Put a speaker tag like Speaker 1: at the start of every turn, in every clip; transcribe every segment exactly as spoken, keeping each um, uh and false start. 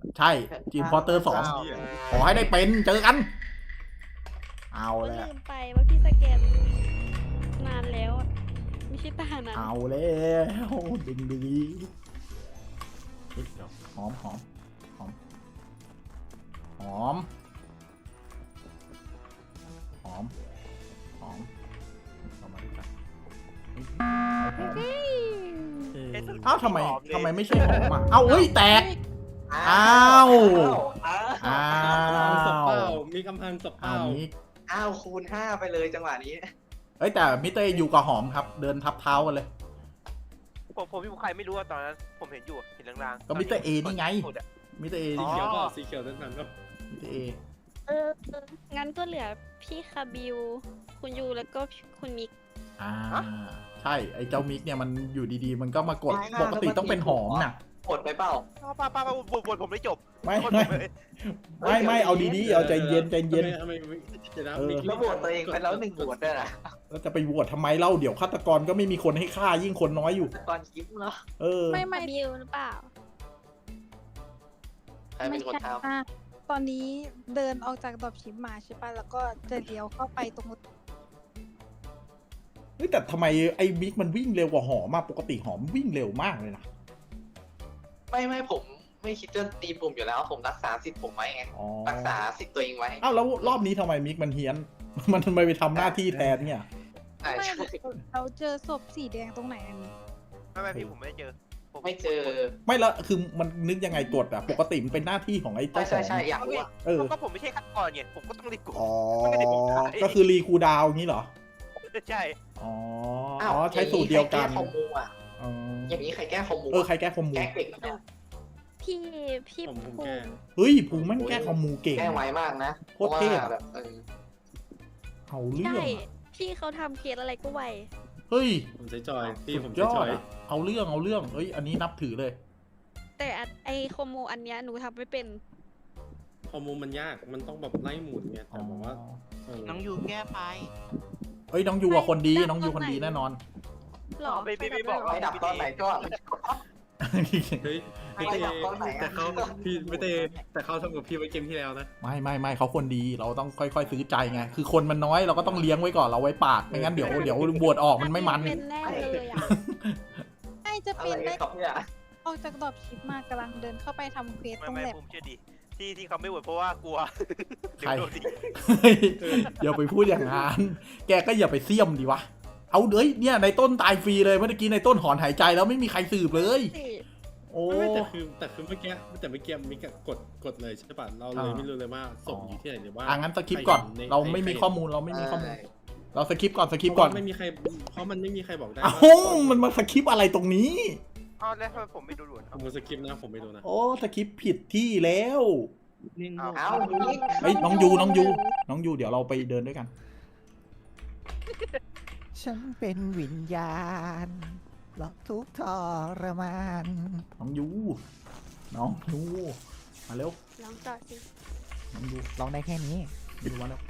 Speaker 1: ใช่ทีมพอเตอร์สองขอให้ได้เป็นเจอกัน เอา
Speaker 2: ก็
Speaker 1: แล้ว
Speaker 2: ลืมไปว่าพี่สแกนนานแล้วอะไม่ใช่ตานั้น
Speaker 1: เอาแล้วดึงดีเฮ้ยเดี๋ยวหอมหอมหอมหอมหอมหอมเอามาด้วยกันเฮ้ยเอ้าทำไมทำไมไม่ใช่หอมอ่ะเอ้าเฮ้ยแตกอ้าวอ้า
Speaker 3: ศพเป
Speaker 1: ว
Speaker 3: ล่ามีกำพันศพเป
Speaker 1: เอา
Speaker 3: ล่า
Speaker 1: นี้
Speaker 4: อ้าวคูณห้าไปเลยจังหวะนี้
Speaker 1: เอ้ยแต่มิเตอร์อยู่กับหอมครับ เดินทับเท้ากันเลย
Speaker 5: ผมผมอยู่ใครไม่รู้อะตอนนั้นผมเห็นอยู่เห็นลางๆ
Speaker 1: ก็มิสเตอร์เอนี่ไง
Speaker 5: สุดอะ
Speaker 1: มิเตอร์เอ
Speaker 3: สี
Speaker 1: นี่
Speaker 3: เขียวก็สีเขียวนั้นก็
Speaker 1: มิเตอร์เอ
Speaker 2: เอองั้นก็เหลือพี่คาบิว คุณยูแล้วก็คุณมิก
Speaker 1: อ่าใช่ไอ้เจ้ามิกเนี่ยมันอยู่ดีๆ มันก็มากดปกติต้องเป็นหอมน่ะ
Speaker 4: กดไปเปล่า
Speaker 5: ป้าป้าป้าบวชบวชผมไม่จบ
Speaker 1: ไม่
Speaker 5: บวช
Speaker 1: ไม่
Speaker 5: ผมเลย
Speaker 1: ไม่ไม่เอาดีๆเอาใจเย็นใจเย็น
Speaker 3: ทำไมทำไมจะนะ
Speaker 1: เออ
Speaker 4: แล้วโหวตตัวเองไปแล้วหนึ่งโหวตด้วยนะ
Speaker 1: แล้วจะไปโหวตทำไมเล่าเดี๋ยวฆาตกรก็ไม่มีคนให้ฆ่ายิ่งคนน้อยอยู่
Speaker 4: ตอนคลิปเนาะ
Speaker 1: เออ
Speaker 6: ไม่ไม่
Speaker 2: คาบิวหรือเปล่า
Speaker 4: ใครเป็นคนท
Speaker 6: อ่ะตอนนี้เดินออกจากดรอปชิปมาใช่ปะแล้วก็จะเลี้ยวเข้าไปตรง
Speaker 1: เฮ้ยแต่ทำไมไอ้มิกมันวิ่งเร็วกว่าหอมมากปกติหอมวิ่งเร็วมากเลยนะ
Speaker 4: ำไม่ไม่ผมไม่คิดจะตีปุ่มอยู่แล้วผมรักษาสิทธิ์ผมไว้ไง
Speaker 1: อ๋อ
Speaker 4: รักษาสิทธิ์ตัวเองไว้
Speaker 1: อ้าวแล้วรอบนี้ทำไมมิกมันเฮี้ยน มันทำไมไปทำหน้าที่แทนเนี่ย
Speaker 4: ใช่
Speaker 6: ไม่
Speaker 4: ใช่
Speaker 6: เราเจอศพสีแดงตรงไหนอันนี้
Speaker 5: ไม่ไม่พี่ผมไม่ได้เจอผม
Speaker 4: ไม่เจอ
Speaker 1: ไม่แล้วคือมันนึกยังไงกดอะปกติมันเป็นหน้าที่ของไอ้
Speaker 4: ใช่
Speaker 1: เจ้าข
Speaker 4: ใช่
Speaker 1: อง
Speaker 4: ใช่อยากรู้อะ
Speaker 1: เออ
Speaker 5: ก็ผมไม่ใช่ฆาตกรไงผมก็ต้องรีบกด
Speaker 1: อ๋อ
Speaker 5: ไม่ได้ผมขาย
Speaker 1: ก็คือรีคูลดาวน์อย่างนี้เหรอ
Speaker 5: ใช่
Speaker 1: อ๋อ
Speaker 4: อ้าว
Speaker 1: อ๋อใช้สูตรเดียวกัน
Speaker 4: ใครแก้คอมมูอ่ะ
Speaker 1: อ๋อ
Speaker 4: อย่างนี้ใครแก้คอมมู
Speaker 1: เออใครแก้คอมมู
Speaker 4: แก้เก่งนะ
Speaker 2: พี่พี่
Speaker 3: ผมผม
Speaker 2: ภู
Speaker 3: แก้
Speaker 2: มิ
Speaker 1: เฮ้ยภูแม่งแก้คอมมูเก่ง
Speaker 4: แก้ไวมากนะ
Speaker 1: โคตรเท่
Speaker 4: พาะว่าแบบเออ
Speaker 1: เอาเรื่อง
Speaker 2: ใช่
Speaker 1: อะ
Speaker 2: พี่เขาทำเคสอะไรก็ไว
Speaker 1: เฮ้ย
Speaker 3: ผมใช้จอยพี่ผม
Speaker 1: สุดย
Speaker 3: ใช้
Speaker 1: อ
Speaker 3: จ
Speaker 1: ด
Speaker 3: อย
Speaker 1: อะเอาเรื่องเอาเรื่องเฮ้ยอันนี้นับถือเลย
Speaker 2: แต่อันไอโคโมอันเนี้ยหนูทำไม่เป็น
Speaker 3: ฮอร์โมนมันยากมันต้องแบบไล่หมุนไงแต่บอกว่าเออ
Speaker 7: น้องยูแก้ไป
Speaker 1: เฮ้ยน้องยูอะคนดี
Speaker 2: ไม่
Speaker 1: น้องยู
Speaker 2: ต
Speaker 1: ค
Speaker 2: อน
Speaker 1: น
Speaker 2: ไหน
Speaker 1: ดีแน่นอน
Speaker 2: หรอ
Speaker 5: ไม่ไม่ไม่บอก
Speaker 4: ไปดับตอนไหนก็
Speaker 3: เฮ้ย
Speaker 4: ไม่
Speaker 3: ไม่
Speaker 4: ได้
Speaker 3: เต
Speaker 4: ดับตอนไหนอะ
Speaker 3: แต่เขาพี่ไม่เตแต่เขาทำกับพี่ไว้เกมที่แล้วนะ
Speaker 1: ไม่ไม่ไม่เขาคนดีเราต้องค่อยๆซื้อใจไงคือคนมันน้อยเราก็ต้องเลี้ยงไว้ก่อนเราไว้ปากไม่งั้นเดี๋ยวเดี๋ยวบวชออกมันไม่มัน
Speaker 2: เป็นแน่เลยอ่ะ
Speaker 6: ใช่จะ
Speaker 4: อะ
Speaker 6: เป็
Speaker 4: ไร
Speaker 6: นได้
Speaker 4: ครับเนี่ย
Speaker 6: ออกจากดรอปชิปมากำลังเดินเข้าไปทำเควส
Speaker 5: ไม่
Speaker 6: ตรง
Speaker 5: ไม่
Speaker 6: แลบ
Speaker 5: ผมเชื่อดีที่ที่เขาไม่โหวตเพราะว่ากลัวเดี๋ย
Speaker 1: ใคร
Speaker 5: วโดนดี
Speaker 1: เฮ้ยอย่าไปพูดอย่างนั้นแกก็อย่าไปเสี่ยมดีวะเอาเอ้ยเนี่ยในต้นตายฟรีเลยเมื่อกี้ในต้นหอนหายใจแล้วไม่มีใครสืบเลย โอ้
Speaker 3: ไม่แต่คือแต่คือเมื่อกี้แต่เมื่อกี้มิกกดกดเลยใช่ป่ะเราเลย
Speaker 1: อ่า
Speaker 3: ไม่รู้เลยว่าศพอยู่ที่ไหนหรือว่า
Speaker 1: อ่ะงั้นสคริปต์ก่อน
Speaker 3: ใคใ
Speaker 1: เราไม่มี
Speaker 3: ใค
Speaker 1: ข้อมูลเราไม่มีข้อมูล
Speaker 4: ใช่
Speaker 1: เราสคริปต์ก่อนสคริปต์
Speaker 3: เพ
Speaker 1: ก่อ
Speaker 3: ราะ
Speaker 1: น
Speaker 3: ว่าไม่มีใครเพราะมันไม่มีใครบอกได้
Speaker 1: เอ้า
Speaker 3: ว่า
Speaker 1: มันมาสคริปต์อะไรตรงนี้
Speaker 5: อ้าวแล้วทำไมผมไม่ดูด่วน
Speaker 3: ผมสคริปต์นะผมไม่รู้นะ
Speaker 1: โอ้สคริปต์ผิดที่แล้ว
Speaker 7: นิ่ง
Speaker 5: อ้าว
Speaker 4: เอ้านี่
Speaker 1: เฮ้ยน้องยูน้องยูน้องยูเดี๋ยวเราไปเดินด้วยกัน
Speaker 8: ฉันเป็นวิญญาณหลอกทุกข์ทรมาน
Speaker 1: น้องยูน้องยูมาเร็ว
Speaker 2: ลองต่อสิ
Speaker 1: น้องยู
Speaker 8: ลองได้แค่นี้
Speaker 1: ยูมาเร็ว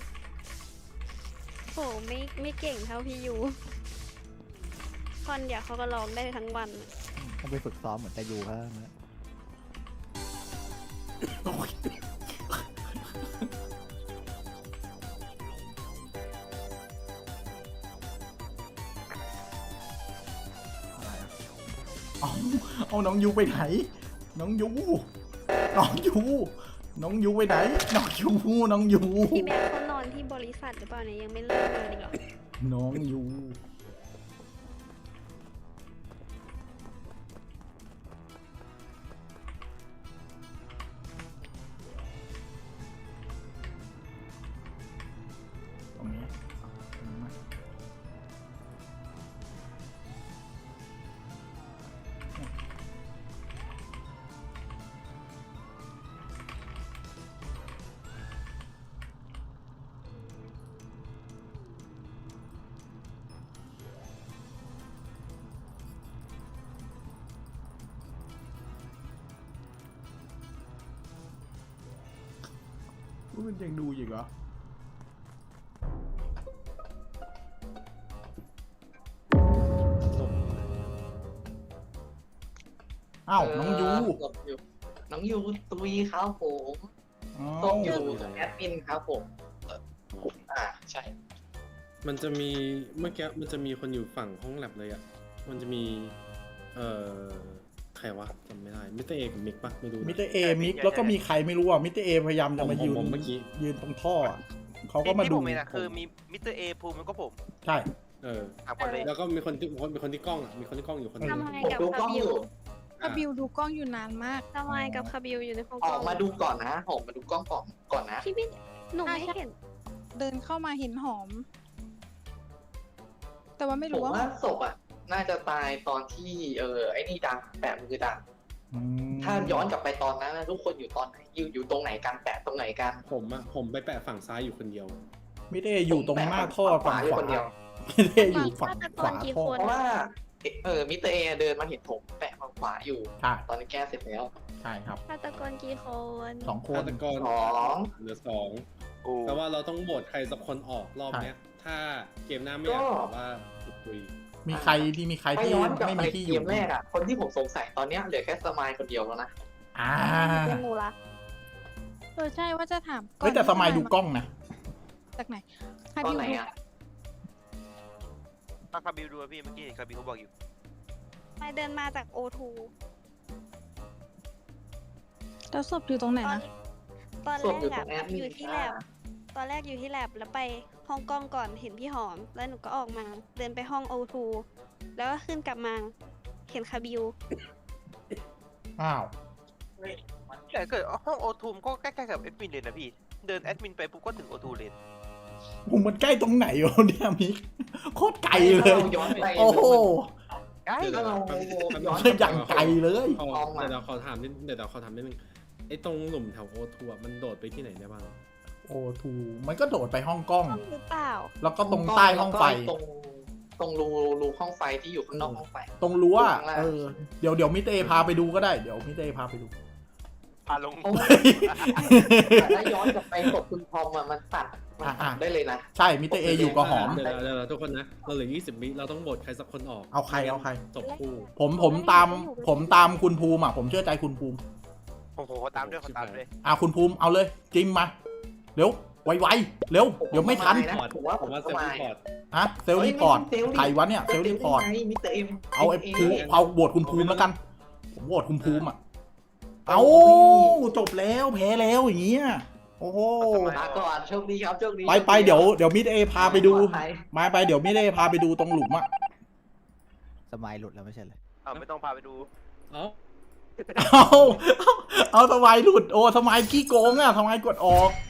Speaker 2: โหไม่ไม่เก่งเท่าพี่ยูคอนเดี๋ยวเขาก็ร้องได้ทั้งวัน
Speaker 8: ต้องไปฝึกซ้อมเหมือนแต่ยูเขานะ
Speaker 1: โอ้ยอะไรอะเอาเอาน้องยูไปไหน น้องยูน้องยูน้องยูไปไหน น้องยูน้องยู
Speaker 2: พี่แม็กเขานอนที่บริษัทหรือเปล่าเนี่ยยังไม่เลิกเลยอีกเหรอ
Speaker 1: น้องยูตรงนี้ตรงนี้มามันยังดูอีกเหรอ อ้าวน้องยู
Speaker 4: เออน้องยูตุยครับผม
Speaker 1: อ๋อ
Speaker 4: ส้มอยู่แอดมินครับผมเอ่ออ่าใช่
Speaker 3: มันจะมีเมื่อกี้มันจะมีคนอยู่ฝั่งห้องแลบเลยอ่ะมันจะมีเอ่อใครวะจำไม่ได้มิสเตอร์เอกับมิกปะไม่รู้นะ
Speaker 1: มิสเตอร์เอมิกแล้วก็มีใครไม่รู้อ่ะมิสเตอร์เอพยายามจะมายืน
Speaker 3: ผมผมเมื่อกี้
Speaker 1: ยืนตรงท่ออะเขาก็มา
Speaker 5: ที่
Speaker 1: ดู
Speaker 5: ผมเห็นอะคือมีมิสเตอร์เอภูมิแล้วก็ผม
Speaker 1: ใช่
Speaker 3: เออ
Speaker 5: สามคนเลย
Speaker 3: แล้วก็มีคนที่มีคนที่กล้องอ่ะมีคนที่กล้องอยู่คนหนึง
Speaker 2: ทำไม
Speaker 4: ผม
Speaker 2: กับ
Speaker 4: ดูกล้
Speaker 2: คา
Speaker 4: อง
Speaker 2: บิ
Speaker 4: อ
Speaker 2: ว
Speaker 4: ยู่
Speaker 6: คาบิวดูกล้องอยู่นานมาก
Speaker 2: ทำไมกับคาบิวอยู่ในห้อง
Speaker 4: ออกมาดูก่อนนะออกมาดูกล้องก่อนก่อนนะ
Speaker 2: พี่พี่หนูไม่เห็น
Speaker 6: เดินเข้ามาเห็นหอม แต่ว่าไม่
Speaker 4: ผ
Speaker 6: รู้
Speaker 4: ม
Speaker 6: ว่า
Speaker 4: ว่าศพอ่ะน่าจะตายตอนที่เออไอ้นี่ดังแปะมือดัง
Speaker 1: อืม
Speaker 4: ถ้าย้อนกลับไปตอนนั้นนะทุกคนอยู่ตอนไหนอยู่อยู่ตรงไหนกันแปะตรงไหนกัน
Speaker 3: ผมอ่ะผมไปแปะฝั่งซ้ายอยู่คนเดียว
Speaker 1: มิสเตอร์เออยู่ตรงหน้าท่อฝั่งข
Speaker 4: อยู่
Speaker 1: วา
Speaker 4: คนเดียว
Speaker 1: มิสเตอร์เออยู่ฝั่งขวาท่อ
Speaker 4: เพราะว่าเออมิสเตอร์เอเดินมาเห็นผมแปะฝั่งขวาอยู่
Speaker 1: ใช่
Speaker 4: ตอนนี้แก้เสร็จแล้ว
Speaker 1: ใช่ครับ
Speaker 2: ฆาตกรกี่คน
Speaker 1: สองค
Speaker 3: ฆาน ตกร
Speaker 4: สอง
Speaker 3: เหลือสอง
Speaker 5: โอ้
Speaker 3: แต่ว่าเราต้องโหวตใครสักคนออกรอบเนี้ย ถ้าเกมหน้าไม่อยากแบบว่าตุกตุย
Speaker 1: มีใครที่มีใคร
Speaker 4: ถ้า
Speaker 1: ที่
Speaker 4: ย้อนกลับ
Speaker 1: ไม่
Speaker 4: ไป
Speaker 1: มีที่อ
Speaker 4: เก
Speaker 1: ยู่
Speaker 4: มแรกอ่ะคนที่ผมสงสัยตอนเนี้ยเหลือแค่สมายคนเดียวแล้วนะ
Speaker 1: อ่า
Speaker 2: เป็นหนูละ
Speaker 6: เออใช่ว่าจะถามก่อน
Speaker 1: เฮ้ยแต่สมัยดูกล้องนะ
Speaker 6: จากไหนคา
Speaker 4: ตอน
Speaker 6: บิว
Speaker 4: ไหน
Speaker 6: ดู
Speaker 4: อ่ะ
Speaker 5: ถ้าคาบิวดูอะพี่เมื่อกี้คาบิวเขาบอกอยู่
Speaker 2: ไม่เดินมาจากโอทู
Speaker 6: แล้วศพอยู่ตรงไหน
Speaker 2: ตอน
Speaker 6: นะ
Speaker 2: ตอน
Speaker 4: ศพ
Speaker 2: แร
Speaker 4: อยู่
Speaker 2: ก
Speaker 4: ตร
Speaker 2: อะ
Speaker 4: งแอดมิ
Speaker 2: อน ยู่ที่แลบตอนแรกอยู่ที่แลบแล้วไปห้องกล้องก่อนเห็นพี่หอม แล้วหนูก็ออกมา เดินไปห้องโอทูแล้วก็ขึ้นกลับมาเห็นคาบิว
Speaker 1: อ้าว
Speaker 5: แต่เกิดห้องโอทูมก็ใกล้ๆกับแอดมินเลยนะพี่ เดินแอดมินไปปุ๊บก็ถึงโอทูเลย
Speaker 1: ผมมันใกล้ตรงไหนวะเนี่ยมิกโคตรไกลเลย
Speaker 4: ย้อนไป
Speaker 1: โอ้โห
Speaker 5: ใกล้
Speaker 4: ถ้าเรา
Speaker 3: แป๊บแป๊บ
Speaker 4: ย้อน
Speaker 1: อย่างไกลเลย
Speaker 3: ขอ
Speaker 4: ลองมา
Speaker 3: เดี๋ยวเราขอถามนิดเดี๋ยวเราขอถามนิดนึงไอ้ตรงหลุมแถวโอทัวมันโดดไปที่ไหนได้บ้าง
Speaker 1: โอทูมันก็โดดไปห้องกล้อง
Speaker 2: ห้องหรือเปล่า
Speaker 1: แล้วก็ตรงใต้ห้องไฟ
Speaker 4: ตรงตรงรูรูห้องไฟที่อยู่ข้างนอกห้องไฟ
Speaker 1: ตรงรั้ว
Speaker 4: ข้างล่าง
Speaker 1: เออเดี๋ยวเดี๋ยวมิสเตอร์เอพาไปดูก็ได้เดี๋ยวมิสเตอร์เอพาไปดู
Speaker 5: พาลง
Speaker 4: เพราะว่าแต่ถ้าย้อนกลับไปศพคุณทอมอะมันตัดมันตัดได้เลยนะ
Speaker 1: ใช่มิสเตอร์เออยู่กับหอม
Speaker 3: เดี๋ยวเดี๋ยวเดี๋ยวทุกคนนะเราเหลือยี่สิบวิเราต้องโหวตใครสักคนออก
Speaker 1: เอาใครเอาใคร
Speaker 3: จบคู่
Speaker 1: ผมผมตามผมตามคุณภูมิอ่ะผมเชื่อใจคุณภูมิ
Speaker 5: โอ้โหเขาตามด้วยเขาตามด้วย
Speaker 1: อ่ะคุณภูมิเอาเลยจิ้มมาเร็วไวๆเร็วเดี๋ยวไม่ทัน
Speaker 4: นะผมว่า
Speaker 3: ผมว่าเซฟ
Speaker 4: ส
Speaker 3: รี
Speaker 4: มาย
Speaker 3: พอร์ต
Speaker 1: ฮะเซลล์รีพอร์ตใครวะเนี่ยเซลล์รีพอร์ต
Speaker 4: มิสเตอร์เอ็ม
Speaker 1: เอาไอ้ภูเอาโหวตคุณภูมิแล้วกัน ผมโหวตคุณภูมิอ่ะเอาจบแล้วแพ้แล้วอย่างเงี้ยโอ้โห
Speaker 4: มาก่อนโชคดีครับโชคดี
Speaker 1: ไปไปเดี๋ยวเดี๋ยวมิสเอพาไปดู
Speaker 4: ปลอภัย
Speaker 1: มาไปเดี๋ยวมิสเอพาไปดูตรงหลุมอ่ะ
Speaker 8: สมัยหลุดแล้วไม่ใช่เลย
Speaker 5: เอาไม่ต้องพาไปดู
Speaker 3: เอ้า
Speaker 1: เอาเอาสมัยหลุดโอ้สมัยขี้โกงอ่ะสมัยกดออก